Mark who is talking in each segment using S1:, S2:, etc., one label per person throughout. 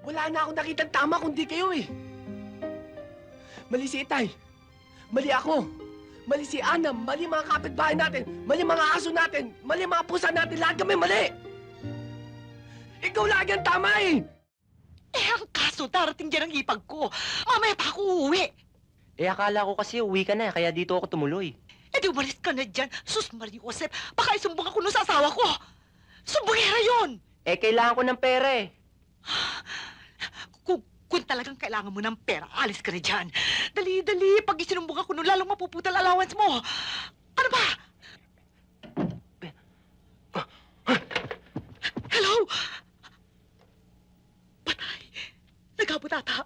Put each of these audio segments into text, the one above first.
S1: Wala na akong nakitang tama kundi kayo eh. Mali si Itay. Mali ako. Mali si Ana. Mali mga kapitbahay natin. Mali mga aso natin. Mali mga pusa natin. Lahat kami mali. Ikaw lagi ang tama eh.
S2: Eh, ang kaso, darating dyan ang ipag ko. Mamaya pa ako uuwi.
S3: Eh, akala ko kasi uwi ka na, kaya dito ako tumuloy.
S2: Eh, di umalis ka na dyan. Sus, Marie Josep, baka isumbong ako nun sa asawa ko. Sumbongera yun!
S3: Eh, kailangan ko ng pera eh.
S2: Kung talagang kailangan mo ng pera, alis ka na dyan. Dali-dali, pag isinumbong ako nun, lalong mapuputal allowance mo. Ano ba? Hello? Patay. Nagabot ata.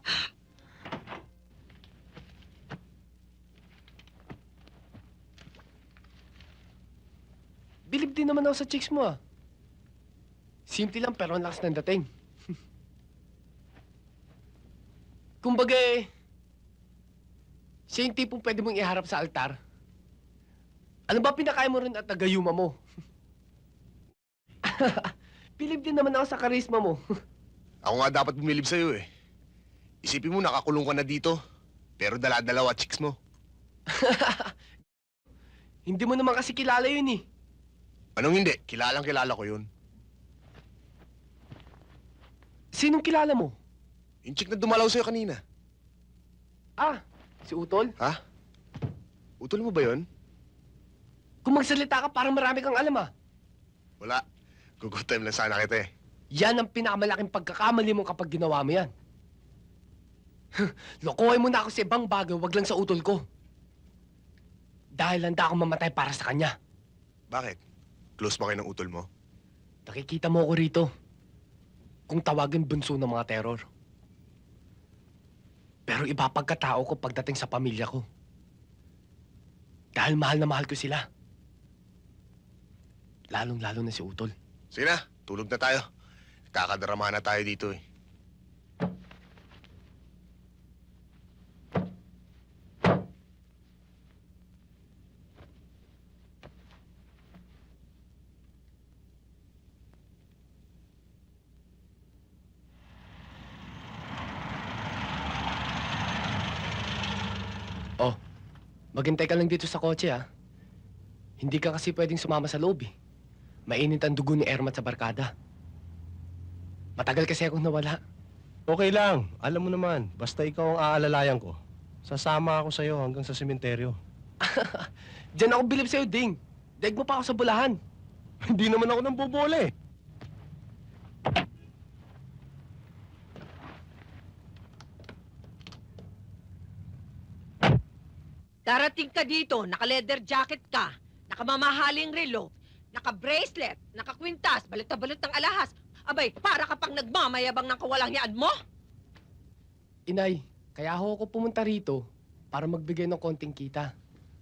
S1: Bilib din naman ako sa chicks mo ah. Simple lang pero ang lakas ng dating. Kumbaga eh, siya yung tipong pwede mong iharap sa altar. Ano ba pinakain mo rin at nagayuma mo? Bilib din naman ako sa karisma mo.
S4: Ako nga dapat bumilib sa'yo eh. Isipin mo, nakakulong ka na dito. Pero dala-dalawa chicks mo.
S1: Hindi mo naman kasi kilala yun eh.
S4: Anong hindi? Kilalang kilala ko yun.
S1: Sinong kilala mo?
S4: Yung chick na dumalaw sa'yo kanina.
S1: Ah, si Utol?
S4: Ha? Utol mo ba yun?
S1: Kung magsalita ka, parang marami kang alam ah.
S4: Wala. Good time lang sana kita eh.
S1: Yan ang pinakamalaking pagkakamali mo kapag ginawa mo yan. Lokohin mo na ako sa ibang bagay, wag lang sa utol ko. Dahil handa akong mamatay para sa kanya.
S4: Bakit? Close ba kayo ng utol mo?
S1: Nakikita mo ako rito. Kung tawagin bunso ng mga terror. Pero iba pagkatao ko pagdating sa pamilya ko. Dahil mahal na mahal ko sila. Lalong-lalo na si Utol.
S4: Sige na, tulog na tayo. Kakadrama na tayo dito eh.
S1: Oh, maghintay ka lang dito sa kotse, ha? Hindi ka kasi pwedeng sumama sa loob, eh. Mainit ang dugo ni Ermat sa barkada. Matagal kasi akong nawala.
S5: Okay lang. Alam mo naman, basta ikaw ang aalalayan ko. Sasama ako sa'yo hanggang sa sementeryo.
S1: Diyan ako bilib sa'yo, Ding. Daig mo pa ako sa bulahan.
S5: Hindi naman ako nang bobola eh.
S6: Darating ka dito, naka-leather jacket ka, nakamamahaling relo, naka-bracelet, naka-kwintas, balot na balot ng alahas. Abay, para ka pang nagmamayabang ng kawalang yaan mo?
S1: Inay, kaya ako pumunta rito para magbigay ng konting kita.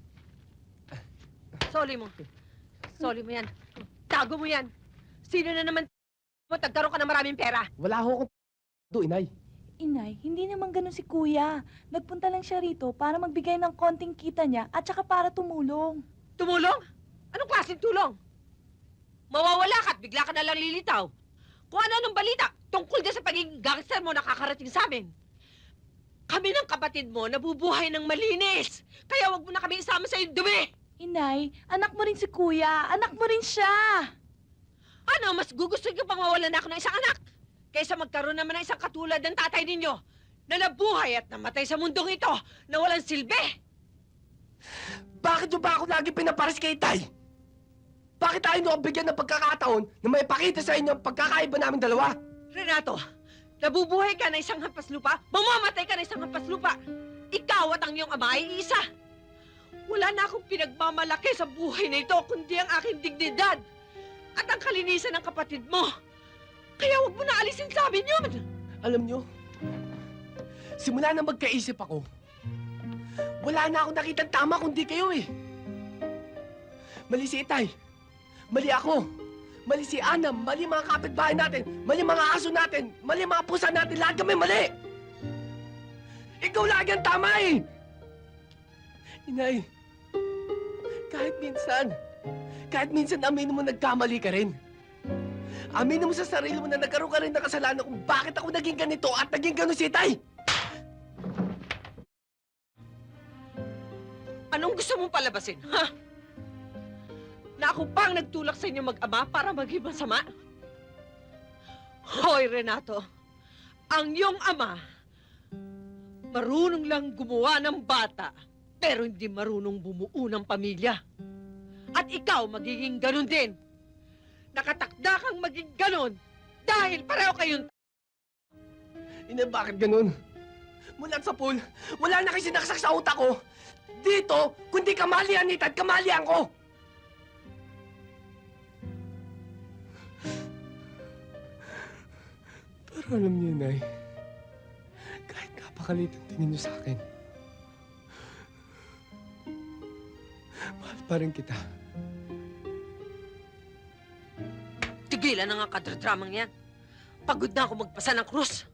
S6: Soli mo. Soli mo yan. Tago mo yan. Sino na naman mo tagkaroon ka ng maraming pera?
S1: Wala akong do, Inay.
S7: Inay, hindi naman ganun si Kuya. Nagpunta lang siya rito para magbigay ng konting kita niya at saka para tumulong.
S6: Tumulong? Anong klaseng tulong? Mawawala ka at bigla ka na lang lilitaw. Kung ano-anong balita tungkol dyan sa pagiging gangster mo nakakarating sa amin. Kami ng kapatid mo nabubuhay ng malinis. Kaya wag mo na kami isama sa iyong dumi.
S7: Inay, anak mo rin si Kuya. Anak mo rin siya.
S6: Ano, mas gugustuhin ko pang mawalan ako ng isang anak kaysa magkaroon naman ng isang katulad ng tatay ninyo na nabuhay at namatay sa mundong ito na walang silbi.
S1: Bakit nyo ba ako lagi pinaparas kay Tay? Bakit tayo nyo bigyan ng pagkakataon na may pakita sa inyo ang pagkakaiba namin dalawa?
S6: Renato, nabubuhay ka na isang hampas lupa, mamamatay ka na isang hampas lupa. Ikaw at ang iyong ama ay isa. Wala na akong pinagmamalaki sa buhay na ito kundi ang aking dignidad at ang kalinisan ng kapatid mo. Kaya huwag mo na alisin sa amin yun.
S1: Alam nyo, simula na magkaisip ako, wala na akong nakitang tama kundi kayo eh. Mali si Itay. Mali ako. Mali si Ana. Mali mga kapitbahay natin. Mali mga aso natin. Mali mga pusa natin. Lahat kami mali. Ikaw lagi ang tama eh. Inay, kahit minsan aminin mo nagkamali ka rin. Aminin mo sa sarili mo na nagkaroon ka rin ng kasalanan kung bakit ako naging ganito at naging gano'n si Itay!
S6: Anong gusto mong palabasin, ha? Na ako pang nagtulak sa inyo mag-ama para maging masama? Hoy, Renato, ang iyong ama, marunong lang gumawa ng bata, pero hindi marunong bumuo ng pamilya. At ikaw magiging ganun din. Nakatakda kang maging ganun dahil pareho kayong
S1: Ina, bakit ganun? Mula sa pool, wala na kayo sinaksak sa utak ko. Dito, kundi kamalian ni Tad, kamalian ko! Pero alam niyo, Nay, kahit napakalit ang tingin niyo sa akin, mahal pa rin kita.
S6: tigilan na nga kadradramang yan. Pagod na ako magpasa ng krus.